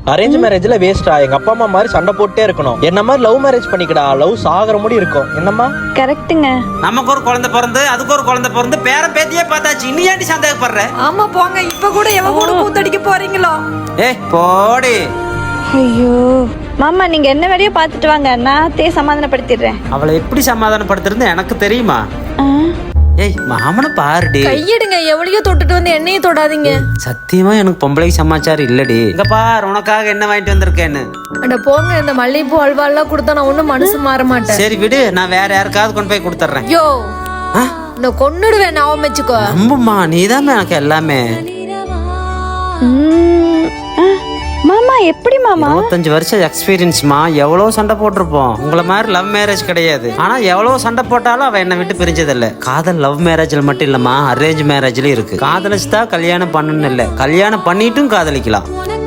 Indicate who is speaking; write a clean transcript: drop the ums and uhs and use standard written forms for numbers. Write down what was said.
Speaker 1: Arrange மேரேஜ்ல வேஸ்டா, எங்க அப்பா அம்மா மாதிரி சண்டை போட்டே இருக்கணும். என்ன மாதிரி லவ் மேரேஜ் பண்ணிக்கடா, லவ் சாகர முடி இருக்கும். என்னம்மா?
Speaker 2: கரெக்ட்டுங்க.
Speaker 3: நமக்கு ஒரு குழந்தை பிறந்து அதுக்கு ஒரு குழந்தை பிறந்து பேரன் பேத்தியே பார்த்தாச்சு, இன்னும் ஏன்டி சந்தேகப்படுற?
Speaker 4: ஆமா போங்க, இப்ப கூட எவ கூட கூத்தடிக்க போறீங்களோ?
Speaker 3: போடி.
Speaker 2: ஐயோ மாமா, நீங்க என்ன வேலையோ பாத்துட்டு வாங்க, நான் சமாதானப்படுத்திடுறேன்.
Speaker 3: அவளை எப்படி சமாதானப்படுத்துறது எனக்கு தெரியுமா? மாமனை பாருடி.
Speaker 4: கையிடுங்க, எவ்வளையோ தொட்டுட்டு வந்து என்னையும் தொடாதீங்க.
Speaker 3: சத்தியமா எனக்கு பொம்பளை சமாச்சாரம் இல்லடி. இங்க பாரு, உனக்காக என்ன வாங்கிட்டு வந்திருக்கேன்னு.
Speaker 4: அட போங்க, இந்த மல்லிகைப்பூ அல்வா எல்லாம் கொடுத்தா நான் ஒண்ணும் மனசு மாற மாட்டேன்.
Speaker 3: சரி விடு, நான் வேற யாருக்காவது கொண்டு போய் கொடுத்துட்றேன்.
Speaker 4: யோ நான் கொன்னுடுவேன், நான் வச்சுக்கோ.
Speaker 3: நம்புமா, நீதான் எனக்கு எல்லாமே.
Speaker 2: மாமா எப்படி மாமா?
Speaker 3: 25 வருஷம் எக்ஸ்பீரியன்ஸ்மா, எவ்வளவு சண்டை போட்டிருப்போம். உங்களை மாதிரி லவ் மேரேஜ் கிடையாது. ஆனா எவ்வளவு சண்டை போட்டாலும் அவ என்னை விட்டு பிரிஞ்சதில்ல. காதல் லவ் மேரேஜ்ல மட்டும் இல்லம்மா, அரேஞ்ச் மேரேஜ்லயும் இருக்கு. காதலிச்சுதான் கல்யாணம் பண்ணணும் இல்ல, கல்யாணம் பண்ணிட்டும் காதலிக்கலாம்.